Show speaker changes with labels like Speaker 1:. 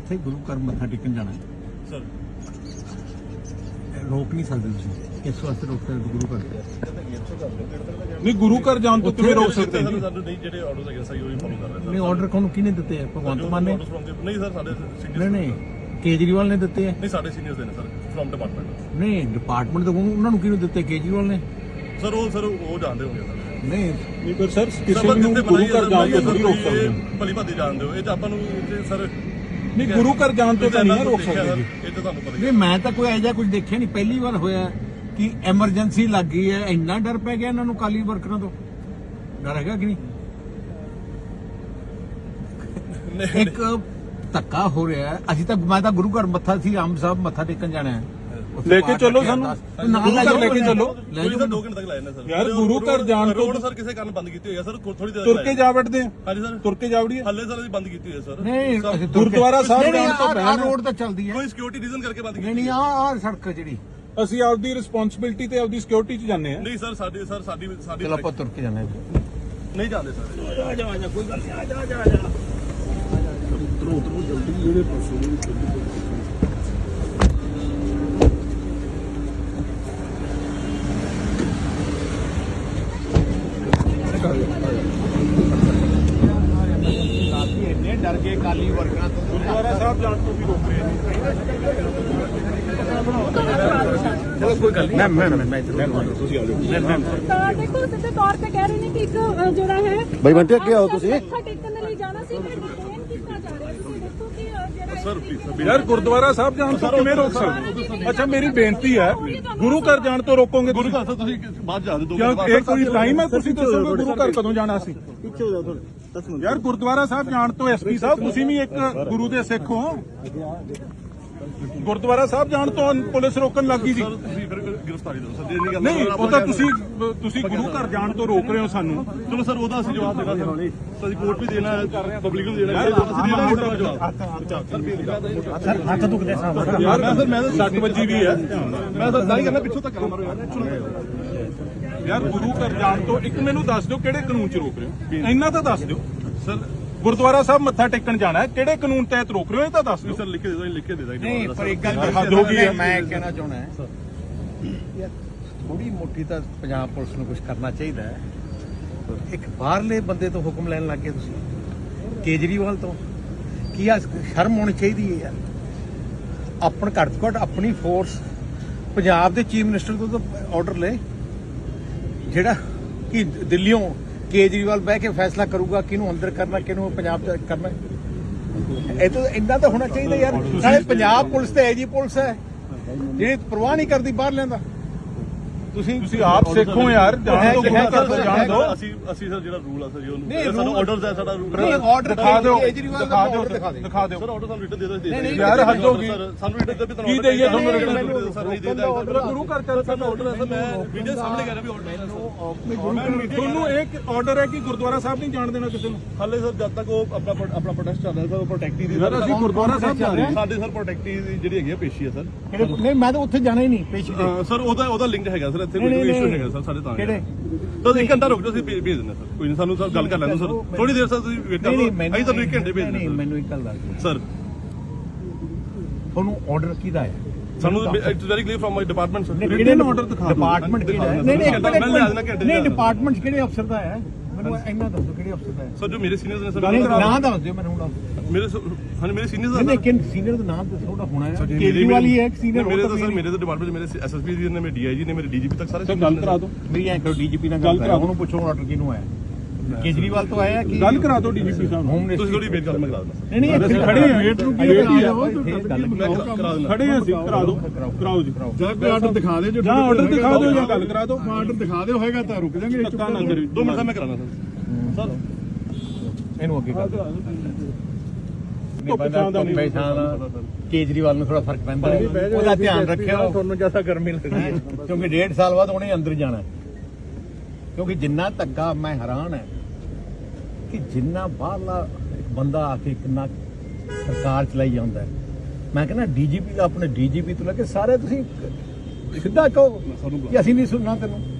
Speaker 1: ਉੱਥੇ ਗੁਰੂ ਘਰ ਮੱਥਾ ਟੇਕਣ ਜਾਣਾ
Speaker 2: ਸਰ
Speaker 1: ਰੋਕ ਨਹੀਂ ਸਕਦੇ ਤੁਸੀਂ ਇਸ ਵਾਸਤੇ ਰੋਕ ਸਕਦੇ ਗੁਰੂ ਘਰ
Speaker 3: ਨਹੀਂ ਗੁਰੂ ਘਰ ਜਾਣ ਤੋਂ ਕਿਵੇਂ ਰੋਕ ਸਕਦੇ ਜੀ?
Speaker 2: ਸਾਨੂੰ ਨਹੀਂ ਜਿਹੜੇ ਆਰਡਰਸ ਹੈਗੇ ਸਹੀ ਉਹੀ ਫੋਲੋ ਕਰ ਰਹੇ
Speaker 1: ਨਹੀਂ ਆਰਡਰ ਕੋਣ ਕਿਹਨੇ ਦਿੱਤੇ ਆ ਭਗਵੰਤ ਮਾਨ ਨੇ?
Speaker 2: ਨਹੀਂ ਸਰ ਸਾਡੇ ਸੀਨੀਅਰ
Speaker 1: ਨਹੀਂ ਕੇਜਰੀਵਾਲ ਨੇ ਦਿੱਤੇ ਆ।
Speaker 2: ਨਹੀਂ ਸਾਡੇ ਸੀਨੀਅਰਸ ਦੇ ਨੇ ਸਰ ਫਰਮ ਡਿਪਾਰਟਮੈਂਟ।
Speaker 1: ਨਹੀਂ ਡਿਪਾਰਟਮੈਂਟ ਤੋਂ ਉਹਨਾਂ ਨੂੰ ਕਿਹਨੂੰ ਦਿੱਤੇ? ਕੇਜਰੀਵਾਲ ਨੇ।
Speaker 2: ਸਰ ਉਹ ਜਾਣਦੇ ਹੋਣਗੇ ਸਰ।
Speaker 1: ਨਹੀਂ
Speaker 3: ਪਰ ਸਰ ਕਿਸੇ ਨੂੰ ਗੁਰੂ ਘਰ ਜਾਣ ਤੋਂ ਨਹੀਂ ਰੋਕ ਸਕਦੇ।
Speaker 2: ਭਲੀ ਭਾਦੀ ਜਾਣਦੇ ਹੋ ਇਹ ਤਾਂ ਆਪਾਂ ਨੂੰ ਸਰ
Speaker 3: ਨਹੀਂ ਗੁਰੂ ਘਰ ਜਾਣ ਤੋਂ ਤਾਂ ਨਹੀਂ ਰੋਕ ਸਕਦੇ ਜੀ।
Speaker 2: ਇਹ ਤਾਂ ਤੁਹਾਨੂੰ ਪਤਾ ਹੀ
Speaker 1: ਨਹੀਂ ਮੈਂ ਤਾਂ ਕੋਈ ਐਜਾ ਕੁਝ ਦੇਖਿਆ ਨਹੀਂ, ਪਹਿਲੀ ਵਾਰ ਹੋਇਆ ਕਿ ਐਮਰਜੈਂਸੀ ਲੱਗ ਗਈ ਹੈ। ਇੰਨਾ ਡਰ ਪੈ ਗਿਆ ਇਹਨਾਂ ਨੂੰ ਕਾਲੀ ਵਰਕਰਾਂ ਤੋਂ। ਡਰ ਹੈਗਾ ਕਿ ਨਹੀਂ? ਇੱਕ ਧੱਕਾ ਹੋ ਰਿਹਾ ਹੈ। ਅਸੀਂ ਤਾਂ ਮੈਂ ਤਾਂ ਗੁਰੂ ਘਰ ਮੱਥਾ ਸੀ ਆਮ ਸਾਹਿਬ ਮੱਥਾ ਟੇਕਣ ਜਾਣਾ ਹੈ।
Speaker 3: ਲੈ ਕੇ ਚੱਲੋ ਸਾਨੂੰ ਗੁਰੂ ਘਰ ਲੈ ਕੇ ਚੱਲੋ।
Speaker 2: ਕੋਈ ਤਾਂ 2 ਘੰਟੇ ਤੱਕ ਲਾਇਆ ਨਾ ਸਰ।
Speaker 3: ਯਾਰ ਗੁਰੂ ਘਰ ਜਾਣ ਤੋਂ
Speaker 2: ਰੋਡ ਸਰ ਕਿਸੇ ਕਾਰਨ ਬੰਦ ਕੀਤੀ ਹੋਈ ਹੈ ਸਰ ਥੋੜੀ ਦੇਰ
Speaker 3: ਤੁਰ ਕੇ ਜਾ ਵੜਦੇ ਆ।
Speaker 2: ਹਾਂਜੀ ਸਰ
Speaker 3: ਤੁਰ ਕੇ ਜਾ ਵੜੀਏ।
Speaker 2: ਹੱਲੇ ਸਰ ਅਸੀਂ ਬੰਦ ਕੀਤੀ ਹੋਈ ਹੈ ਸਰ।
Speaker 1: ਨਹੀਂ
Speaker 3: ਗੁਰਦੁਆਰਾ ਸਾਹਿਬ ਜਾਣ ਤੋਂ
Speaker 1: ਪਹਿਲਾਂ ਰੋਡ ਤਾਂ ਚੱਲਦੀ ਹੈ।
Speaker 2: ਕੋਈ ਸਿਕਿਉਰਿਟੀ ਰੀਜ਼ਨ ਕਰਕੇ ਬੰਦ ਕੀਤੀ
Speaker 1: ਨਹੀਂ ਆਹ ਸੜਕ ਜਿਹੜੀ
Speaker 3: ਅਸੀਂ ਆਪਦੀ ਰਿਸਪੌਂਸਿਬਿਲਟੀ ਤੇ ਆਪਦੀ ਸਿਕਿਉਰਿਟੀ 'ਚ ਜਾਂਦੇ ਆ।
Speaker 2: ਨਹੀਂ ਸਰ ਸਾਡੀ
Speaker 1: ਚਲੋ ਆਪਾਂ ਤੁਰ ਕੇ ਜਾਣਾ
Speaker 2: ਨਹੀਂ ਜਾਂਦੇ ਸਰ।
Speaker 1: ਆ ਜਾ ਕੋਈ ਗੱਲ ਨਹੀਂ ਆ ਜਾ ਉਤਰੋ ਜਲਦੀ ਜਿਹੜੇ ਪਾਸੋਂ ਇੰਨੇ ਡਰ ਗਏ ਕਾਲੀ ਵਰਕਰਾਂ ਤੋਂ।
Speaker 3: ਗੁਰਦੁਆਰਾ ਸਾਹਿਬ ਜਾਣ ਤੋਂ ਵੀ ਰੋਕ ਰਹੇ ਨੇ।
Speaker 1: ਚਲੋ ਕੋਈ ਗੱਲ ਨਹੀਂ ਮੈਂ ਤੁਸੀਂ ਆ ਜਾਓ।
Speaker 4: ਤਾਂ ਦੇਖੋ ਸਿੱਧੇ ਤੌਰ ਤੇ ਕਹਿ ਰਹੇ ਨੇ ਕਿ ਇੱਕ ਜਿਹੜਾ ਹੈ
Speaker 5: ਬਾਈ ਬੰਟੇ ਅੱਗੇ ਆਓ ਤੁਸੀਂ।
Speaker 4: ਮੱਥਾ ਟੇਕਣ ਦੇ ਲਈ ਜਾਣਾ ਸੀ ਮੈਂ ਡਿਟੇਨ ਕੀਤਾ ਜਾ ਰਿਹਾ ਤੁਸੀਂ ਦੇਖੋ ਕਿ ਜਿਹੜਾ
Speaker 3: ਯਾਰ ਗੁਰਦੁਆਰਾ ਸਾਹਿਬ ਜਾਣ ਤੋਂ ਕਿਵੇਂ ਰੋਕ ਸਕਦੇ? ਅੱਛਾ ਮੇਰੀ ਬੇਨਤੀ ਹੈ ਗੁਰੂ ਘਰ ਜਾਣ ਤੋਂ ਰੋਕੋਗੇ?
Speaker 2: ਗੁਰੂ ਘਰ ਤੋਂ ਤੁਸੀਂ ਬਾਅਦ ਜਾ ਦੇ ਦੋ।
Speaker 3: ਕਿਉਂ ਇਹ ਕੋਈ ਟਾਈਮ ਹੈ? ਤੁਸੀਂ ਦੱਸੋਗੇ ਗੁਰੂ ਘਰ ਕਦੋਂ ਜਾਣਾ ਸੀ?
Speaker 5: ਪਿੱਛੇ ਹੋ ਜਾਓ ਥੋੜੇ।
Speaker 3: ਯਾਰ ਗੁਰਦੁਆਰਾ ਸਾਹਿਬ ਜਾਣ ਤੋਂ ਐਸਪੀ ਸਾਹਿਬ ਤੁਸੀਂ ਵੀ ਇੱਕ ਗੁਰੂ ਦੇ ਸਿੱਖ ਹੋ। ਗੁਰਦੁਆਰਾ ਸਾਹਿਬ ਜਾਣ ਤੋਂ ਪੁਲਿਸ ਰੋਕਣ ਲੱਗੀ ਸੀ।
Speaker 2: ਸਰ ਤੁਸੀਂ ਫਿਰ ਗ੍ਰਿਫਤਾਰੀ ਦਿਓ ਸਰ। ਜੇ ਨਹੀਂ ਗੱਲ
Speaker 3: ਨਹੀਂ ਉਹ ਤਾਂ ਤੁਸੀਂ ਗੁਰੂ ਘਰ ਜਾਣ ਤੋਂ ਰੋਕ ਰਹੇ ਹੋ ਸਾਨੂੰ।
Speaker 2: ਚਲੋ ਸਰ ਉਹਦਾ ਅਸੀਂ ਜਵਾਬ ਦੇਣਾ ਸਰ। ਅਸੀਂ ਕੋਰਟ ਵੀ ਦੇਣਾ ਹੈ ਪਬਲਿਕ ਨੂੰ ਦੇਣਾ ਹੈ। ਅਸੀਂ ਦੇਣਾ ਮੋਟਾ ਜਵਾਬ।
Speaker 1: ਸਰ ਹੱਥ ਦੁਖਦੇ ਸਾਹਿਬ।
Speaker 3: ਯਾਰ ਮੈਂ ਤਾਂ 60 ਵਜੇ ਵੀ ਹੈ।
Speaker 2: ਮੈਂ ਤਾਂ ਨਹੀਂ ਕਰਨਾ ਪਿੱਛੋਂ ਤੱਕ ਮਾਰੋ
Speaker 3: ਯਾਰ ਗੁਰੂ ਘਰ ਜਾਣ ਤੋਂ ਇੱਕ ਮੈਨੂੰ ਦੱਸ ਦਿਓ ਕਿਹੜੇ ਕਾਨੂੰਨ 'ਚ ਰੋਕ ਰਹੇ ਹੋ? ਇੰਨਾ ਤਾਂ ਦੱਸ ਦਿਓ।
Speaker 2: ਸਰ
Speaker 3: ਗੁਰਦੁਆਰਾ ਸਾਹਿਬ ਮੱਥਾ ਟੇਕਣ ਜਾਣਾ ਹੈ ਕਿਹੜੇ ਕਾਨੂੰਨ ਤਹਿਤ ਰੋਕ ਰਹੇ ਹੋ? ਇਹ ਤਾਂ ਦੱਸ ਦਿਓ।
Speaker 2: ਸਰ ਲਿਖ ਕੇ ਦੇ ਦੋ ਲਿਖ ਕੇ ਦੇ ਦਾਂਗੇ।
Speaker 1: ਨਹੀਂ ਪਰ ਇੱਕ ਗੱਲ
Speaker 3: ਹੱਦ ਹੋ ਗਈ ਹੈ।
Speaker 1: ਮੈਂ ਕਹਿਣਾ ਚਾਹੁੰਦਾ ਯਾਰ ਥੋੜੀ ਮੋਟੀ ਤਾਂ ਪੰਜਾਬ ਪੁਲਿਸ ਨੂੰ ਕੁਝ ਕਰਨਾ ਚਾਹੀਦਾ ਹੈ। ਇੱਕ ਬਾਹਰਲੇ ਬੰਦੇ ਤੋਂ ਹੁਕਮ ਲੈਣ ਲੱਗ ਗਏ ਤੁਸੀਂ ਕੇਜਰੀਵਾਲ ਤੋਂ। ਕੀ ਆ ਸ਼ਰਮ ਹੋਣੀ ਚਾਹੀਦੀ ਹੈ ਯਾਰ। ਆਪਣ ਘੱਟ ਤੋਂ ਘੱਟ ਆਪਣੀ ਫੋਰਸ ਪੰਜਾਬ ਦੇ ਚੀਫ ਮਿਨਿਸਟਰ ਤੋਂ ਤਾਂ ਆਰਡਰ ਲੈ ਜਿਹੜਾ ਕਿ ਦਿੱਲੀੋਂ ਕੇਜਰੀਵਾਲ ਬਹਿ ਕੇ ਫੈਸਲਾ ਕਰੂਗਾ ਕਿਹਨੂੰ ਅੰਦਰ ਕਰਨਾ ਕਿਹਨੂੰ ਪੰਜਾਬ ਚ ਕਰਨਾ। ਇਹ ਤਾਂ ਇੰਨਾ ਤਾਂ ਹੋਣਾ ਚਾਹੀਦਾ ਯਾਰ। ਸਾਰੇ ਪੰਜਾਬ ਪੁਲਿਸ ਤੇ ਐਜੀ ਪੁਲਿਸ ਹੈ ਜਿਹੜੀ ਪਰਵਾਹ ਨਹੀਂ ਕਰਦੀ ਬਾਹਰ ਲੈਂਦਾ।
Speaker 3: ਤੁਸੀਂ ਆਪ ਸਿੱਖੋ ਯਾਰ। ਜਾਣ ਤੋਂ ਗੁਰੂ ਘਰ ਤੋਂ ਜਾਣ ਦਿਓ।
Speaker 2: ਅਸੀਂ ਸਰ ਜਿਹੜਾ ਰੂਲ ਆ ਸਰ ਜੀ
Speaker 1: ਨਹੀਂ,
Speaker 2: ਉਹਨੂੰ ਸਾਡਾ ਆਰਡਰਸ ਹੈ ਸਾਡਾ ਰੂਲ।
Speaker 1: ਨਹੀਂ ਆਰਡਰ
Speaker 3: ਦਿਖਾ ਦਿਓ
Speaker 1: ਕੇਜਰੀਵਾਲ ਦਾ order
Speaker 3: ਦਿਖਾ ਦਿਓ।
Speaker 2: ਸਰ ਆਰਡਰ ਸਾਨੂੰ ਰਿਟਨ ਦੇ ਦੋ।
Speaker 1: ਨਹੀਂ,
Speaker 3: ਯਾਰ ਹੱਦ ਹੋ ਗਈ।
Speaker 2: ਸਾਨੂੰ ਰਿਟਨ ਦੇ ਵੀ
Speaker 3: ਕੀ ਦੇਈਏ ਤੁਹਾਨੂੰ
Speaker 2: ਰਿਟਨ
Speaker 3: ਰਿਟਨ?
Speaker 2: ਸਰ ਨਹੀਂ ਦੇਦਾ
Speaker 3: ਗੁਰੂ ਘਰ ਚੱਲ
Speaker 2: ਸਾਡਾ ਆਰਡਰ ਹੈ ਸਰ। ਮੈਂ ਵੀਡੀਓ ਸਾਹਮਣੇ ਕਰ ਰਿਹਾ ਵੀ ਆਰਡਰ ਹੈ ਸਰ।
Speaker 3: ਤੁਹਾਨੂੰ ਇੱਕ ਆਰਡਰ ਹੈ ਕਿ ਗੁਰਦੁਆਰਾ ਸਾਹਿਬ ਨਹੀਂ ਜਾਣ ਦੇਣਾ ਕਿਸੇ ਨੂੰ।
Speaker 2: ਹਾਲੇ ਸਰ ਜਦ ਤੱਕ ਉਹ ਆਪਣਾ ਪ੍ਰੋਟੈਸਟ ਚੱਲ ਰਿਹਾ ਸਰ ਉਹ ਪ੍ਰੋਟੈਕਟੀ ਦੀ
Speaker 3: ਯਾਰ ਅਸੀਂ ਗੁਰਦੁਆਰਾ ਸਾਹਿਬ ਜਾ ਰਹੇ ਹਾਂ।
Speaker 2: ਸਾਡੇ ਸਰ ਪ੍ਰੋਟੈਕਟੀ ਦੀ ਜਿਹੜੀ ਹੈਗੀ ਆ ਪੇਸ਼ੀ ਹੈ ਸਰ।
Speaker 1: ਨਹੀਂ ਮੈਂ ਤਾਂ ਉੱਥੇ ਜਾਣਾ ਹੀ ਨਹੀਂ ਪੇਸ਼ੀ ਤੇ।
Speaker 2: ਸਰ ਉਹਦਾ ਲਿੰਕ ਹੈਗਾ ਸਰ ਇੱਥੇ ਕੋਈ ਇਸ਼ੂ ਹੈਗਾ ਸਰ ਸਾਡੇ ਤਾਂ
Speaker 1: ਕਿਹੜੇ?
Speaker 2: ਤਾਂ 1 ਘੰਟਾ ਰੁਕ ਜਾਓ ਅਸੀਂ ਭੇਜ ਦਿੰਦੇ ਸਰ। ਕੋਈ ਨਹੀਂ ਸਾਨੂੰ ਸਰ ਗੱਲ ਕਰ ਲੈਣ ਦਿਓ ਸਰ। ਥੋੜੀ ਦੇਰ ਸਰ ਤੁਸੀਂ ਵੇਟ ਕਰੋ। ਅਸੀਂ ਤੁਹਾਨੂੰ 1 ਘੰਟੇ ਭੇਜ
Speaker 1: ਨਹੀਂ
Speaker 2: ਦਿੰਦੇ
Speaker 1: ਮੈਨੂੰ ਇੱਕ ਗੱਲ ਦੱਸ
Speaker 2: ਸਰ।
Speaker 1: ਤੁਹਾਨੂੰ ਆਰਡਰ ਕਿਹਦਾ ਹੈ?
Speaker 2: ਸਾਨੂੰ it's very clear from my department sir.
Speaker 1: ਕਿਹੜੇ ਆਰਡਰ ਦਿਖਾ ਡਿਪਾਰਟਮੈਂਟ ਕਿਹੜਾ ਹੈ? ਨਹੀਂ
Speaker 2: ਨਹੀਂ
Speaker 1: ਨਹੀਂ ਡਿਪਾਰਟਮੈਂਟ ਕਿਹੜੇ ਅਫਸਰ ਦਾ ਹੈ? ਮੈਨੂੰ ਇੰਨਾ ਦੱਸੋ ਕਿਹੜੇ ਅਫਸਰ ਦਾ ਹੈ?
Speaker 2: ਸਰ ਜੋ ਮੇਰੇ ਸੀਨੀਅਰਸ ਨੇ ਸਰ
Speaker 1: ਨਾਮ ਦੱਸ ਦਿਓ ਮੈਨੂੰ ਹੁਣ।
Speaker 2: ਮੇਰੇ ਹਾਂਜੀ ਮੇਰੇ ਸੀਨੀਅਰਸ
Speaker 1: ਨਹੀਂ ਕਿਨ ਸੀਨੀਅਰ ਦਾ ਨਾਮ ਦੱਸੋ ਉਹਦਾ ਹੋਣਾ ਹੈ। ਕੇਜਰੀਵਾਲ ਹੀ ਹੈ ਇੱਕ ਸੀਨੀਅਰ।
Speaker 2: ਮੇਰੇ ਤਾਂ ਸਰ ਮੇਰੇ ਤਾਂ ਡਿਪਾਰਟਮੈਂਟ ਮੇਰੇ ਐਸਐਸਪੀ ਜੀ ਨੇ ਮੇਰੇ ਡੀਆਈਜੀ ਨੇ ਮੇਰੇ ਡੀਜੀਪੀ ਤੱਕ ਸਾਰੇ
Speaker 3: ਗੱਲ ਕਰਾ ਦਿਓ।
Speaker 1: ਮੇਰੀ ਐਂ ਕਰੋ ਡੀਜੀਪੀ ਨਾਲ ਗੱਲ ਕਰਾਓ। ਉਹਨੂੰ ਪੁੱਛੋ ਆਰਡਰ ਕਿਹਨੂੰ ਆਇਆ? ਕੇਜਰੀਵਾਲ ਤੋਂ ਆਇਆ ਕਿ
Speaker 3: ਗੱਲ ਕਰਾ ਦਿਓ ਡੀਜੀਪੀ ਸਾਹਿਬ ਨੂੰ।
Speaker 1: ਹੋਮ
Speaker 2: ਤੁਸੀਂ
Speaker 1: ਮਿਨਿਸਟਰ?
Speaker 2: ਥੋੜੀ ਵੇਟ ਕਰੋ ਮੈਂ ਕਰਾ ਦਿੰਦਾ।
Speaker 1: ਨਹੀਂ
Speaker 3: ਅਸੀਂ ਖੜੇ ਹਾਂ। ਵੇਟ ਨੂੰ ਕੀ
Speaker 1: ਵੇਟ ਹੀ
Speaker 3: ਹੈ?
Speaker 2: ਮੈਂ ਕਰਾ ਦਿੰਦਾ।
Speaker 3: ਖੜੇ ਹਾਂ ਅਸੀਂ। ਕਰਾ ਦਿਓ ਕਰਾਓ ਜੀ।
Speaker 5: ਜਾਂ ਕੋਈ ਆਰਡਰ ਦਿਖਾ ਦੇ ਜੋ
Speaker 3: ਜਾਂ ਆਰਡਰ ਦਿਖਾ ਦਿਓ ਜਾਂ ਗੱਲ ਕਰਾ ਦਿਓ।
Speaker 5: ਆਰਡਰ ਦਿਖਾ ਦਿਓ ਹੋਏਗਾ ਤਾਂ ਰੁਕ ਜਾਾਂਗੇ।
Speaker 3: ਧੱਕਾ ਨਾ ਕਰਿਓ।
Speaker 2: 2 ਮਿੰਟ ਦਾ ਮੈਂ ਕਰਾਣਾ ਸਰ।
Speaker 1: ਇਹਨੂੰ ਅੱਗੇ ਕਰ ਕੇਜਰੀਵਾਲ ਨੂੰ ਥੋੜਾ ਫਰਕ ਪੈਂਦਾ ਉਹਦਾ ਧਿਆਨ ਰੱਖਿਓ। ਤੁਹਾਨੂੰ ਜਿਆਦਾ ਗਰਮੀ ਲੱਗਦੀ ਹੈ ਕਿਉਂਕਿ 1.5 ਸਾਲ ਬਾਅਦ ਉਹਨੇ ਅੰਦਰ ਜਾਣਾ। ਕਿਉਂਕਿ ਜਿੰਨਾ ਧੱਕਾ ਮੈਂ ਹੈਰਾਨ ਹੈ ਕਿ ਜਿੰਨਾ ਬਾਹਰਲਾ ਬੰਦਾ ਆ ਕੇ ਕਿੰਨਾ ਸਰਕਾਰ ਚਲਾਈ ਜਾਂਦਾ ਹੈ। ਮੈਂ ਕਹਿੰਦਾ ਡੀਜੀਪੀ ਦਾ ਆਪਣੇ ਡੀਜੀਪੀ ਤੋਂ ਲੈ ਕੇ ਸਾਰੇ ਤੁਸੀਂ ਸਿੱਧਾ ਕਹੋ ਕਿ ਅਸੀਂ ਨਹੀਂ ਸੁਣਨਾ ਤੈਨੂੰ।